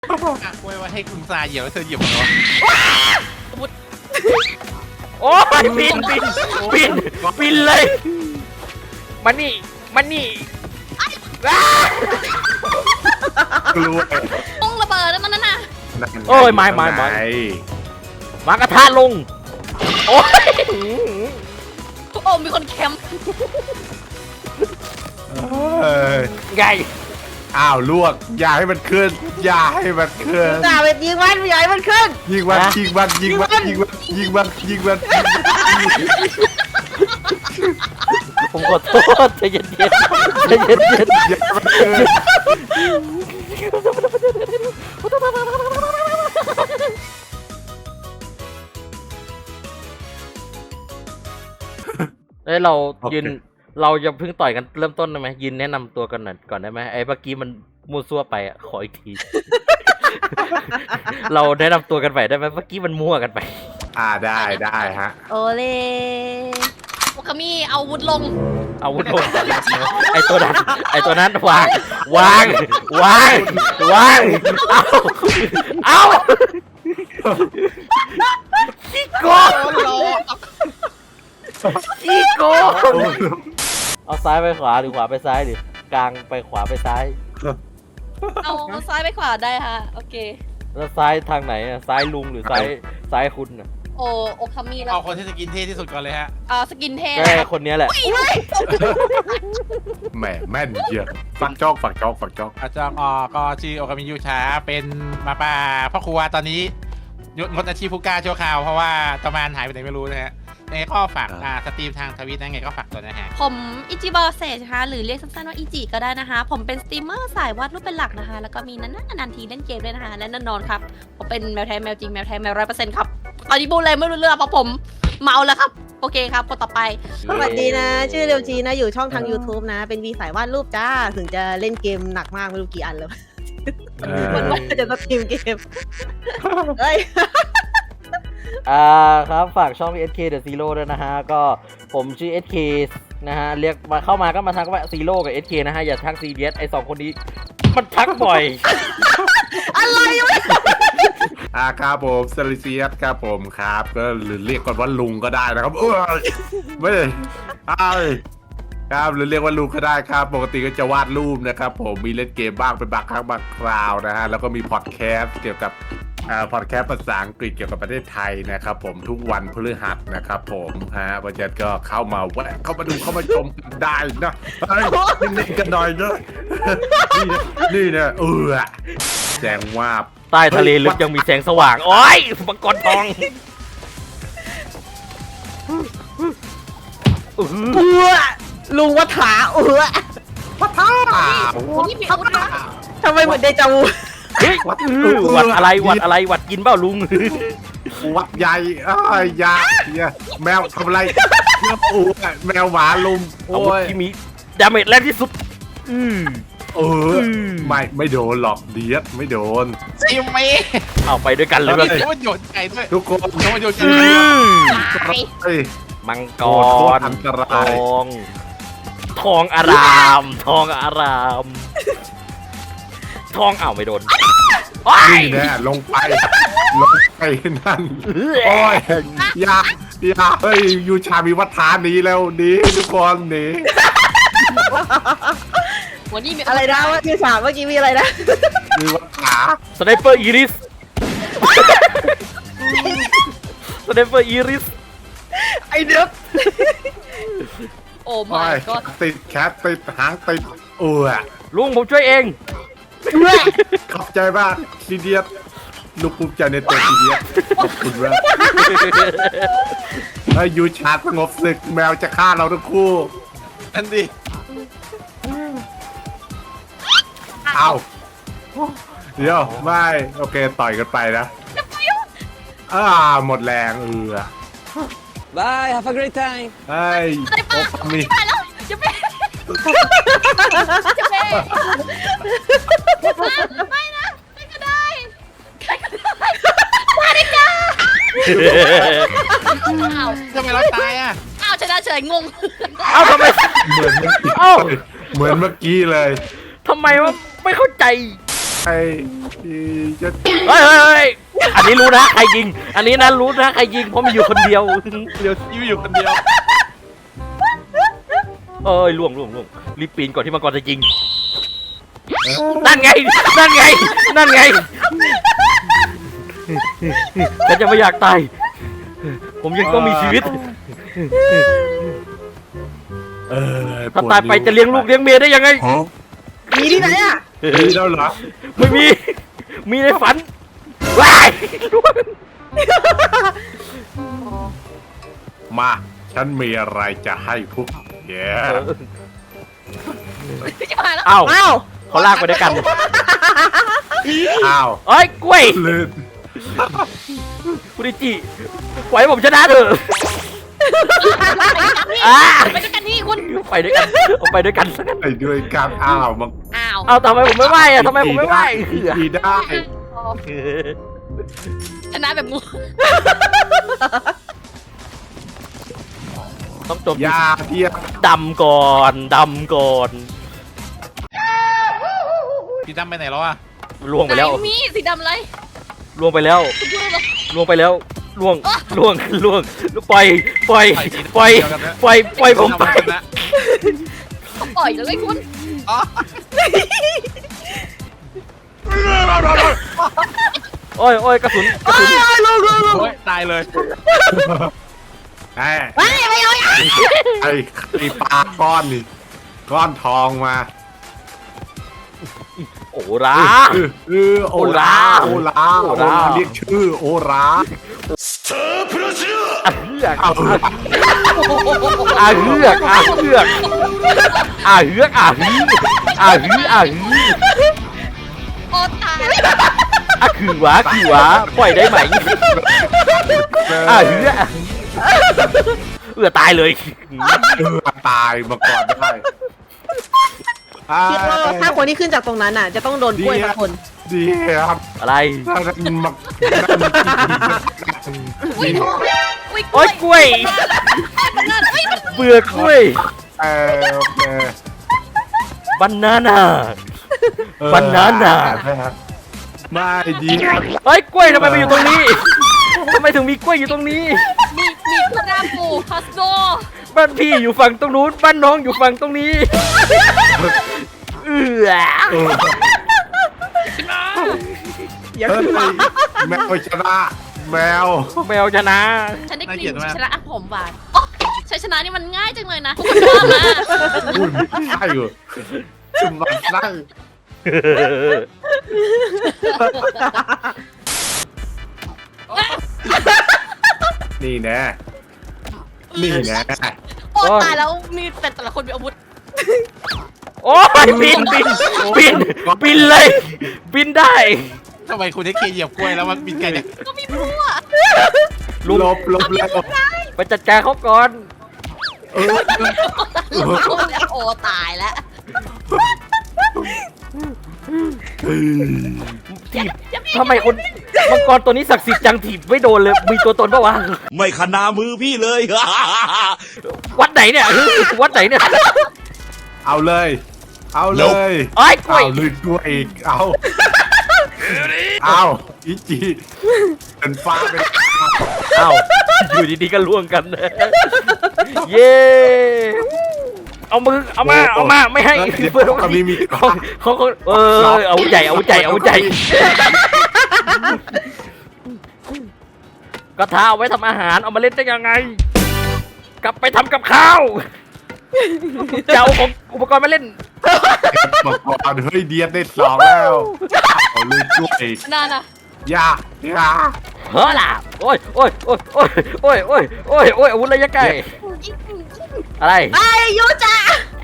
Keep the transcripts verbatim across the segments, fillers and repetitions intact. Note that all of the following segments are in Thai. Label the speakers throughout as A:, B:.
A: ไว้ว่าให้คุณซาเหยียบแล้วเธอเหยียบเหรอ
B: โอ้ยปินปินปินปินเลยมันนี่มันนี่
C: กลัว
D: ต้องระเบิดแล้วมันนั่นน่ะ
B: โอ้ยไม้ไม้ไม้มากระทะลงโอ้ย
D: โอ้มีคนแคมป์
B: ไง
C: อ้าวลวกอย่าให้มันขึ้นอย่าให้มันขึ้น
E: จ่าเป็นยิงมันใหญ่มันขึ้น
C: ยิงมันยิงมันยิงมันยิงมันยิงมันยิงมัน
B: ผมขอโทษใจเย็นๆใจเย็นๆ
C: อย่าให้มันขึ้น
B: เอ้ยเรายืนเราจะเพิ่งต่อยกันเริ่มต้นได้ไหมยืนแนะนำตัวกันหน่อยก่อนได้ไหมไอ้เมื่อกี้มันมั่วซั่วไปอ่ะขออีกที เราแนะนำตัวกันไปได้ไหมเมื่อกี้มันมั่วกันไป
C: อ่าได้ได้ฮะ
E: โอเล่
D: โอคามิเอาวุธลง
B: เอาวุธลงไอ้ตัวนั้นไอ้ตัวนั้นวางวางวางวางเอาเอาขี้โกงขี้โกงเอาซ้ายไปขวาหรือขวาไปซ้ายดิกลางไปขวาไปซ้าย
D: เอาซ้ายไปขวาได้ฮะโอเค
B: แล้วซ้ายทางไหนอ่ะซ้ายลุงหรือซ้ายซ้ายคุณอ่ะ
D: โอโอคามิแล้ว
A: เอาคนที่สกินเท่ที่สุดก่อนเลยฮะ
D: อ่าสกินเท่
B: แค่คนนี้แหละ
C: แหมแม่นเยอะฝักจอกฝักจอกฝักจอก
A: อาจารย์อ๋อก็ชื่อโอกามิยูชาเป็นมาป่าพ่อครัวตอนนี้งดอาชีพผู้กล้าชั่วคราวเพราะว่าตะมานหายไปไหนไม่รู้นะฮะไงก็ฝากอ่าสตรีมทางทวิตนะไงก็ฝากตัวนะฮะ
D: ผมอิจิบอเซนะคะหรือเรียกสั้นๆว่าอิจิก็ได้นะคะผมเป็นสตรีมเมอร์สายวาดรูปเป็นหลักนะคะแล้วก็มีนั้นนานๆทีเล่นเกมด้วยนะคะและแน่นอนครับผมเป็นแมวแท้แมวจริงแมวแท้แมวร้อยเปอร์เซ็นต์ครับตอนนี้พูดอะไรไม่รู้เรื่องเพราะผมเมาแล้วครับโอเคครับคนต่อไป
E: สวัสดีนะชื่อเรียวจีนะอยู่ช่องทาง YouTube นะเป็นวีสายวาดรูปจ้าถึงจะเล่นเกมหนักมากไม่รู้กี่อันแล้วมันว่าจะสตรีมเกมเฮ้ย
B: อ่าครับฝากช่อง เอส เค The Zero ด้วยนะฮะก็ผมชื่อ เอส เค นะฮะเรียกมาเข้ามาก็มาทักว่า Zero กับ เอส เค นะฮะอย่าทัก ซี ดี เอส ไอสองคนนี้มันทักบ่อย
E: อะไรวะ
C: อ่าครับผมเซลิเซียสครับผมครับก็หรือเรียกกันว่าลุงก็ได้นะครับเออไม่ได้ครับหรือเรียกว่าลุงก็ได้ครับปกติก็จะวาดรูปนะครับผมมีเล่นเกมบ้างเป็นบางครั้งบางคราวนะฮะแล้วก็มีพอดแคสต์เกี่ยวกับอ่าพอดแคสต์ภาษาอังกฤษเกี่ยวกับประเทศไทยนะครับผมทุกวันพฤหัสนะครับผมฮะวันจันทร์ก็เข้ามาแวะเข้ามาดูเข้ามาชมกันได้นะนิ่งๆกันหน่อยนะนี่นะนี่นะเออแสงวาบ
B: ใต้ทะเลลึกยังมีแสงสว่างโอ้ยมังกรทอง
E: เออลุงวัฏาเออ
C: วัฏา
E: ทำไมเหมือนเดจาวู
B: เฮ้ยวัดอะไรวัดอะไรวัดกินเปล่าลุง
C: วัดใหญ่อ้ายยาแมวทำอะไรเนื้อปูแมวหมาลุม
B: โอ้ยที่มีดาเมจแรงที่สุดอืม
C: เออไม่ไม่โดนหรอกเดียดไม่โดน
A: ซิมมี่
B: เอาไปด้วยกันเลย
A: ว่าโยนโยนไก่ด้วย
C: ทุกคน
A: โยนโยน
B: มังกรทองทองอารามทองอารามทองอ้าวไม่โดน
C: นี่แน่ลงไปลงไปนั่นโอ้ยยาอยาเฮ้ยยูชามีวัฒนานี้แล้วนี้ทุกคนนี้
D: วันนี้มี
E: อะไรนะว่าที่สามเมื่อกี้มีอะไรนะ
C: มีวัฒนา
B: สไนเปอร์อีริสสไนเปอร์อีริส
E: ไอเด็ก
D: โอ้ไม่ก็
C: ติดแคทติดหางติดเออ
B: ลุงผมช่วยเอง
C: ขอบใจมากซีเดียสลูกภูมิใจในตัวซีเดียสขอบคุณมากไอ้ยูชาสงบศึกแมวจะฆ่าเราทั้งคู่
A: อันดิ
C: เอาเดี๋ยวไม่โอเคต่อยกันไปนะอ่าหมดแรงเออบ
E: าย have a great time
C: ไอ้โอ้มี
D: ไปแล้วจะไปจะไปไม่นะไม่ก็ได้ใครก็ได้มาดิจ้าอ้าว
A: ทำไมเราตายอ่ะ
D: อ้าวชนะเฉยงง
B: อ้าวทำไม
C: เหมือนเมื่อกี้เหมือนเมื่อกี้เลย
B: ทำไมวะไม่เข้าใจ
C: ไอ้จะ
B: เฮ้ยเฮ้ยเฮ้ยอันนี้รู้นะใครยิง อันนี้นะรู้นะใครยิงเพราะมีอยู่คนเดียว
A: เดี๋ยวยิ้วอยู่คนเดียว
B: เอ้ยล่วงล่วงล่วงรีบปีนก่อนที่มังกรจะยิงนั่นไงนั่นไงนั่นไงฉันจะไม่อยากตายผมยังต้องมีชีวิต
C: เออ
B: ถ้าตายไปจะเลี้ยงลูกเลี้ยงเมียได้ยังไง
E: มีที่ไหนอ่ะ
C: มีแล้วเหรอ
B: ไม่มี มีในฝันว้าย
C: มาฉันมีอะไรจะให้พวกแก
D: จะมาแล้ว
B: อ้าว
E: อ้าว
B: เขาลากไปด้วยกัน
C: อ้าว
B: เอ้ยกล้วย
C: ลื่น
B: คุณดิจิปล่อยให้ผมชนะเถอะอ่า
D: ไปด้วยกันนี่คุณ
B: ไปด้วยกันเอาไปด้วยกันสักกัน
C: ไปด้วยกันอ้าวมัน
D: อ้าว
B: เอาทำไมผมไม่ไหวอ่ะทำไมผมไม่ไหว
C: ดีได้
D: ชนะแบบงู
B: ต้องจบ
C: ยาเทียบ
B: ดำก่อนดำก่อน
A: พี่ตั้มไปไหนแล้วอ่ะ
B: ล่วงไปแล้ว
D: ไหนมีสีดำเลย
B: ล่วงไปแล้ว
D: คุณพูดเลย
B: ล่วงไปแล้วล่วงล่วงล่วงปล่อยปล่อยปล่อยปล่อยปล่อยผมไป
A: นะ
D: เขาปล่อยแล้วไอ้คุณ
B: โอ้ยโอ้ยกระสุนกระสุน
A: โอ้ยตายเลย
C: ไอ้
E: ไม่ไม่เอา
C: ไอ้ไอ้ปลาก้อนนี่ก้อนทองมา
B: โอ้รา
C: เออเออโอลาโอลาโอลาเรียกชื่อโอรา
B: อาเฮือก
C: เอา
B: อาเฮือกอาเฮือกอาเฮือกอาฮืออาฮืออาฮือ
D: โอ้ตาย
B: อาคือวะคือวะปล่อยได้ไหมอาเฮือเอือตายเลย
C: เออตายมาก่อนได้ไอ้
E: คิดว่าถ้าคนที่ขึ้นจากตรงนั้นอ่ะ จะต้องโดนกล้วยสักคน
C: ดีครับ
B: อะไร
C: ถ้ามันมา
D: อุ้ยอุ้ย
B: โอ้ยกล้วย
D: นั่นอุ้ยมัน
B: เบื่อกล้วย
C: เออโอเค
B: บานาน่า บานาน่า
C: ไม่ดีครับ
B: เฮ้ยกล้วยทำไมมาอยู่ตรงนี้ทำไมถึงมีกล้วยอยู่ตรงนี้
D: มีมีพระรามปูฮัสโซ
B: บ้านพี่อยู่ฝั่งตรงนู้นบ้านน้องอยู่ฝั่งตรงนี้เอือ
C: เออ
E: อย่า
C: เฮ้ย
E: ขึ้นมา
C: แมวชนะแมว
B: แมวชนะ
D: ฉันได้กลิ่นชนะผมหวานโอ้ชัยชนะนี่มันง่ายจังเลยนะทุกคนว่ามา
C: พูดไม่ใช่เหรอจุ่มมันไส้นี่แน่นี่แน่
D: โอ้ตายแล้วมีแต่แต่ละคนมีอาวุธ
B: โอ้ยบินบินบินบินเลย บินได้
A: ทำไมคุณได้เคเหยียบกล้วยแล้วมันบินไกลเนี่ย
D: ก็มีพลั่ว
B: ลุง
C: ลบลบแล้ว
B: ไปจัดการเขาก่อน
C: เออ
D: โอ้ตายแล้ว
B: ถีบทำไมคนมังกรตัวนี้ศักดิ์สิทธิ์จังถีบไม่โดนเลยมีตัวตนปะวะ
F: ไม่ขนามือพี่เลย
B: วัดไหนเนี่ยวัดไหนเนี่ย
C: เอาเลย เอาเลย
B: ไอ้ยกล้วย
C: เอาเลยกล้วยอีกเอาเอาอีจีเป็นฟ้าเป็น
B: เอ้าอยู่ดีๆก็ล่วงกันเย้ เอามือเอามาเอามาไม่ให้
C: เพื่อนเขามีมี
B: เขาเขาเขาเออเอาใจเอาใจเอาใจกระทะเอาไว้ทำอาหารเอามาเล่นได้ยังไง กลับไปทำกับข้าวจะเอาของอุปกรณ์มาเล่น
C: บอกก่อนเฮ้ยเดียดได้สองแล้วเอาเลยกล้วยอีก
D: นั่นน่ะ
C: ยาอยา
B: เฮ้อล่ะโอ้ยโอ้ยโอ้ยโอ้ยโอ้ยโอ้ยโอ้ยโอ้ยอาวุธระยะไกลอะไร
E: ไอ้ยูจ้า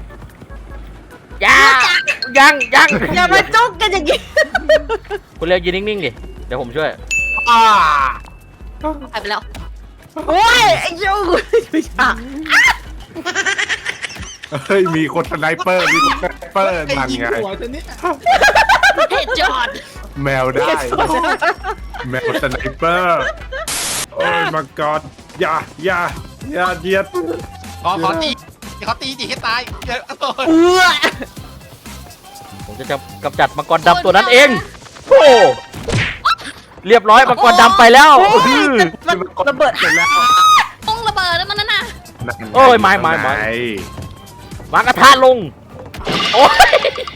B: ยังยังยัง
E: อย่ามาจุกกันอย่างนี้
B: คุณเรียกยืนนิ่งๆดิเดี๋ยวผมช่วย
C: อ่า
D: หายไปแล้ว
E: โอ้ยไอ้ยูยูจ้า
C: เฮ้ยมีคนสไนเปอร์มีคนสไนเปอร์นั่นไง
D: เฮดจอด
C: แมวได้ แมวสไนเปอร์โอ้ยมังกรอย่าอย่าอย่าเดียด
A: ขอขอตีขอตีจีให้ตายเดี๋ยวโอ้ย
E: เอื้อ
B: ผมจะกำจัดมังกรดำตัวนั้นเองโอ้เรียบร้อยมังกรดำไปแล้ว
E: โอ้ยมันระเบิด
C: เสร็จแล้ว
D: ปงระเบิดแล้วมันนั่นน่ะ
B: โอ้ยไม้ไม้ไม้ วางกระทะลงโอ้ย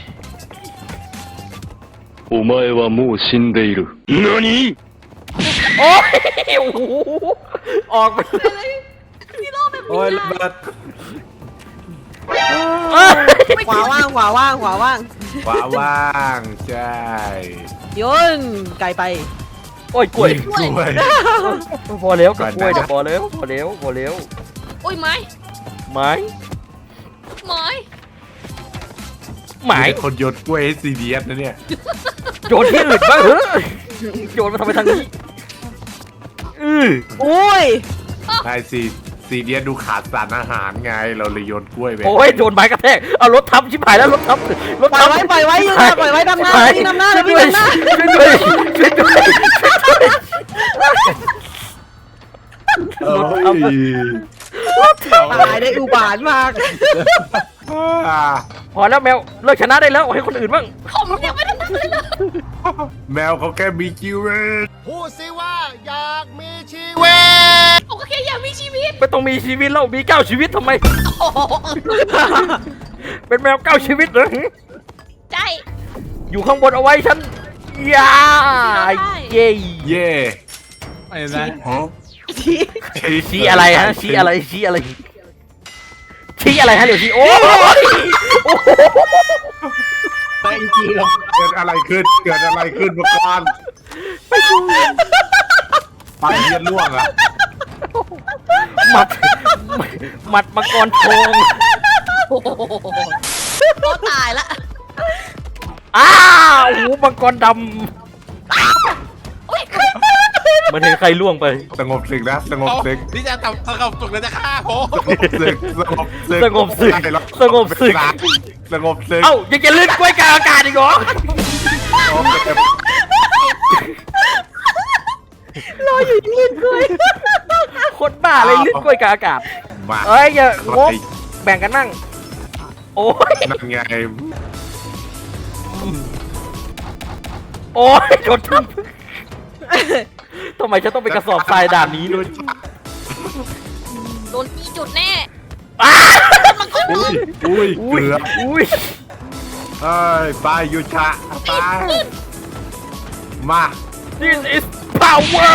G: お前はもう死んでいる。何？
B: โอ้ยโอ้โหออกไป
D: ฮีโร่แบบ
C: โอ้ย
D: นี้
C: ระเบิด
B: เอ้ย
E: ขวาว่างขวาว่างขวาว่าง
C: ขวาว่างใช่
E: โยนไกลไป
B: โอ้ยกล้วย
C: กล้วย
B: พอแล้วกับกล้วยเดี๋ยวพอแล้วพอแล้วพอแล้ว
D: โอ้ยไม้
B: ไม้
D: ไม้
B: หมาย
C: คนโยนกล้วยให้ซีดีเอสนะเนี่ย
B: โยนที่อื่นบ้างเหรอโยนมาทำไมทางนี้อือ
E: อุ้ย
C: ใช่ซีซีดีเอสดูขาดสารอาหารไงเราเลยโยนกล้วยไป
B: โอ้ยโดนไม้กระแทกเอารถทับชิบหายแล้วรถทับรถ
E: ปล่อ
B: ทั
E: ย
B: บ
E: ไว้ปล่อยไว้ยืนนะปล่อยไว้ดำหน้าวิ่งดำหน้าเลยวิ่งดำหน้า
B: ช่วยด้วยช่วยด้วยช่วยด้วย
C: เอ้ย
E: ตายได้อุบาทมาก
C: อ่า
B: พอแล้วแมวเลิกชนะได้แล้วให้คนอื่นบ้าง
D: ผมยังไม่ได้ทำเลยเลย
C: แมวเขาแค่มีชีวิต
F: พูดสิว่าอยากมีชีวิต
D: ผมก็แค่อยากมีชีวิต
B: ไม่ต้องมีชีวิตแล้วมีเก้าชีวิตทำไม
D: โอ้โห
B: เป็นแมวเก้าชีวิตเหรอ
D: ใจ
B: อยู่ข้างบนเอาไว้ฉันยาเย่
C: เย่
A: ไม่นะ
C: ฮะ
B: ชี้อะไรฮะชี้อะไรชี้อะไรชี้อะไรฮะเดี๋ยวชี้โอ้ยโอ้โห
C: เกิดอะไรขึ้นเกิดอะไรขึ้นเมื่อก่อนปากเยียนล่วงอะ
B: หมัดหมัดมังกรทอง
D: โอ้โหก็ตายละ
B: อ้าวโอ้โหมังกรด
D: โอ้ย
B: ำเหมันเห็นใครล่วงไป
C: สงบศึกนะสงบ
A: เอา
C: ศึก
A: นี่จะทำสงบสุขแล้วจะฆ่าผม
C: สงบศึกสงบศึก
B: สงบศึกสงบศึก
C: สงบศึก
B: เอ้ายังจะลื่นกล้วยกลางอากาศอีกเหรอ
C: โอเค
E: รออยู่ยืนด้วย
B: คนบ้าเลยลื่นกล้วยกลางอากาศ
C: มา
B: เอ้ยอย่างบแบ่งกันนั่งโอ้ย
C: นั่นไง
B: โอ้ยโดนทับทำไมฉันต้องเป็นกระสอบทรายด่านนี้ด้วย
D: โดนตีจุดแน่
B: อ้า
D: มันก็
C: อุ้ยอุ้ย
B: อุ้ย
C: เกือบ
B: อุ้ย
C: เอ้ยไปยูชะไปมา
B: This is power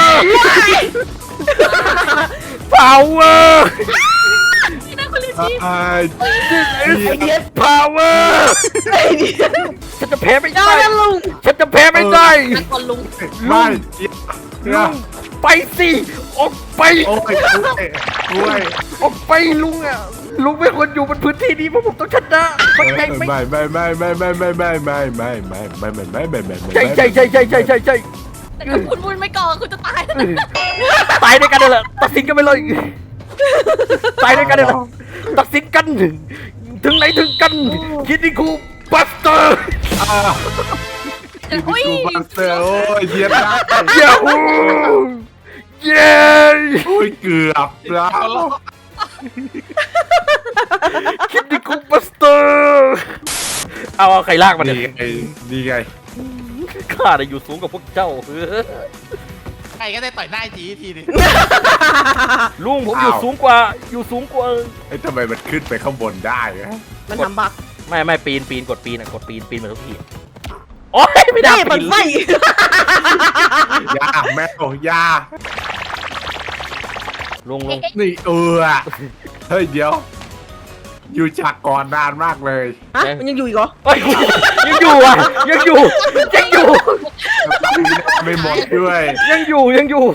B: power
D: ที่นั่นคุณลิ
C: ไอ้
D: ชี่
B: This is power
E: ไอ้เดีย
B: ฉันจะแพ้ไม่
E: ยอ
B: ได้
E: ดนะลุง
B: ฉันจะแพ้ไม่ได้
D: นั่นคนลุง
C: ไม่เดี๋
B: ลุ
C: ยว
B: งไปสิออกไป
C: โอ้ยกล้วย
B: ออกไปลุงอ่ะลุงไม่ควรอยู่บนพื้นที่นี้เพราะผมต้องชนะเข้าใจไหม
C: ไม่ไม่ไม่ไม่ไม่ไม่ไม่ไม่ไม่ไม่ไม่ไม่ไม่ไม่ไม่
B: ใช่ใช่ใช่ใช่ใช่ใช่ใช่
D: แต่ถ้าคุณบุญไม่ก่อคุณจะตายแล้วนะ
B: ตายด้วยกันเลยแหละตัดสินกันไปเลยตายด้วยกันเลยแหละตัดสินกัน ถึงไหนถึงกันคิดดิคูบัสเตอร์
D: อุ้ย
C: กูบัสเตอร์โอ้ยเยียดได้
B: ยาฮูเย้
C: โอ้ยเกือบแล้ว
B: คิดดิคูบัสเตอร์เอาเอาใครลากมา
C: ดี
B: เนี่ย
C: ไงดีไง
B: ข้าได้อยู่สูงกับพวกเจ้า
A: ใครก็ได้ต่อยหน้าจีทีนึง
B: ลุงผมอยู่สูงกว่าอยู่สูงกว่า
C: ไอ้ทำไมมันขึ้นไปข้างบนได้อะ
E: มันทำบัก
B: ไม่ไม่ปีนปีนกดปีนอะกดปีนปีนเหมือนทุกทีโอ๊ยไม่ได้
E: นี่มัน
B: ปีน
E: ไส้
C: ยาแมวยา
B: ลุงลุง
C: นี่เออเฮ้ยเดี๋ยว อยู่ฉากก่อนนานมากเลย
E: ฮะมันยังอยู่อีกเหรอ
B: เฮ้ยยังอยู่อ่ะยังอยู่ยังอยู่
C: ไม่หมดด้วย
B: ยังอยู่ยังอยู่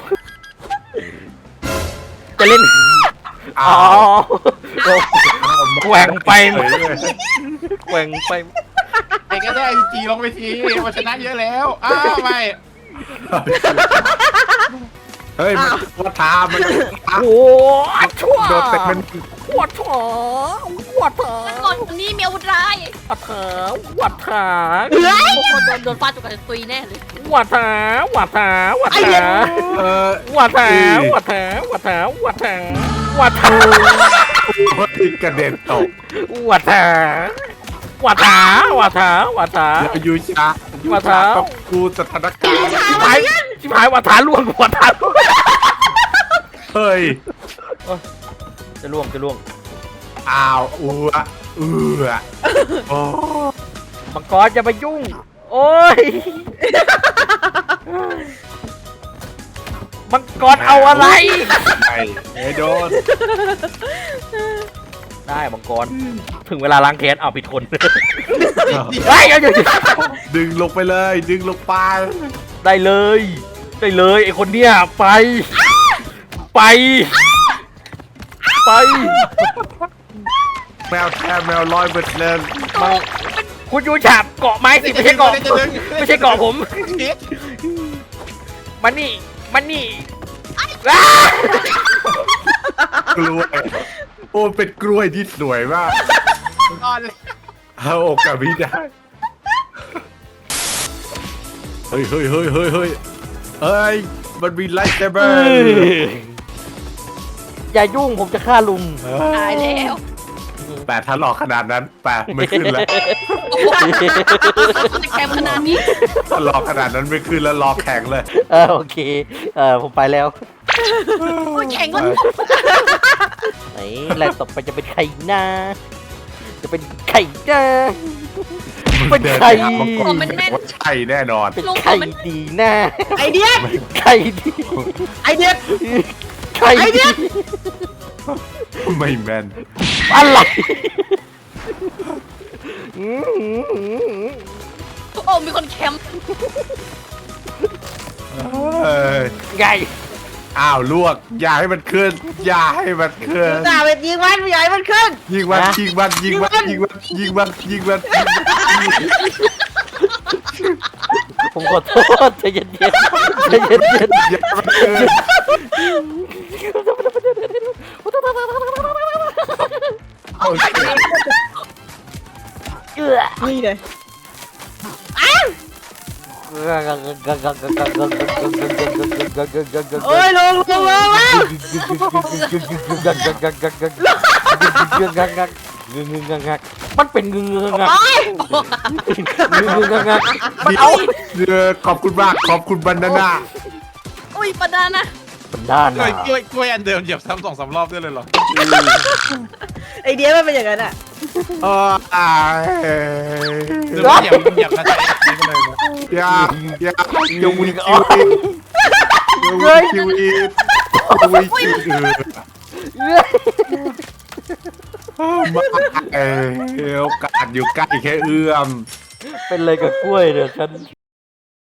B: จะเล่น
C: อ้า
B: อ๋อ
C: ว
B: แกว่งไปแกว่งไป
A: ใครก็ได้จีลงไปทีมันชนะเยอะแล้วอ้าวไม่
C: เฮ้ยมันว่าทามัน
B: โอ้ชั่ว
C: โดนเตะมัน
B: วัดถาวัดถา
D: ก่อนคนนี้มีอาวุธร้าย
B: วัดถาวัดถา
D: โอ้โหโดนโดนฟาดจุกกับตุยแน่เลย
B: วัดถาวัดถาวัดถา
C: เออ
B: วัดถาวัดถาวัดถาวัดถาวัดถา
C: โอ้ยกระเด็นตก
B: วัดถาหวาดถาหวาดถาหวาดถา
C: อย่าอยู่ช้าอยู่
B: มา
C: ช้า
B: เท้า
C: ต้องกูสถานการณ์
B: ชิบหายชิบหายหวาดถาล่วงหวาดถาล่วง
C: เฮ้ย
B: จะล่วงจะล่วง
C: อ้าวอืออือโอ้
B: มังกรจะไปยุ่ง โอ้ยมังกรเอาอะไร
C: ไม่ไม่โดน
B: ได้มังกรถึงเวลาล้างแค้นเอาผิดคนเฮ้ยเดี๋ยวเดี๋ยว
C: ดึงลงไปเลย ดึงลงไป
B: ได้เลย ได้เลยไอคนเนี้ยไป ไป ไป
C: แมวแท้แมวร้อยเปอร์เซ็นต์
B: มันคุณยูฉาบเกาะไม้สิไม่ใช่เกาะไม่ใช่เกาะผมมันนี่มันนี่อ้าก
C: ล้วยโอ้เป็นกล้วยที่สวยมาก
A: นอนเลย
C: เอาโอกาสไม่ได้เฮ้ยเฮ้ยเฮ้ยเฮ้ยเฮ้ยเฮ้ยมันมีไลท์เซเบอ
B: เอ้
C: ร์
B: ยอย่ายุ่งผมจะฆ่าลุง
D: ตายแล้ว
C: แต่ถ้าหลอกขนาดนั้นแปะไม่ขึ้นแล้ว
D: แคมขนาดนี้
C: ถ้าหลอกขนาดนั้นไม่ขึ้นแล้วรอแข่งเลย
B: เออโอเคเออผมไปแล้ว
D: โอ้ยแข็งก็
B: ไหนแรกต่อไปจะเป็นใครนะจะเป็นใครนะเป็นใคร
C: มังกรว่าใช่แน่นอน
B: เป็นใครดีนะ
E: ไอเดีย
B: ใครดี
E: ไอเดีย
B: ใครดี
C: ไม่แม่น
B: อะไร
D: โอ้มีคนแคม
C: เอ้ย
B: ไง
C: อ้าวลวก อย่าให้มันขึ้น อย่าให้มันขึ้น
E: จ่าเป็นยิงมันใหญ่มันขึ้น
C: ยิงมันยิงมันยิงมันยิงมันยิงมันยิงมัน
B: ผมขอโทษใจเย็นๆใจเย็น
C: อย่าให้มันขึ้นโอเค
B: ๆเอื้อ
E: นี่เลยโอ้ยลงลงลงแล้ว
B: มันเป็นเงืองัก
E: โอ้ย
B: เงืองัก
C: มันเอาเออขอบคุณมากขอบคุณบรรณานา
D: อุ้ยปะดานะ
B: เป็นด้าน
A: กล้
B: นะ
A: วยกล้วยกล้วยอันเดิมเหยียบซ้ำสองสามรอบด้วยเลยเหรอ
E: ไอเดียมันเป็นอย่างนั้นอ่ะ
C: เอออาย
A: หรือว่าเหยียบเหยียบแล้วใช้ทิ้งไปเลยนะ
C: อย่าอย่าอย่าวิ่งคิวอีกอย่าวิ่งคิวอีกอย่าวิ่งคิวอีกมาเออโอกาสอยู่ใกล้แค่เอื้อม
B: เป็นอะไรกับกล้วยเนี่ยฉัน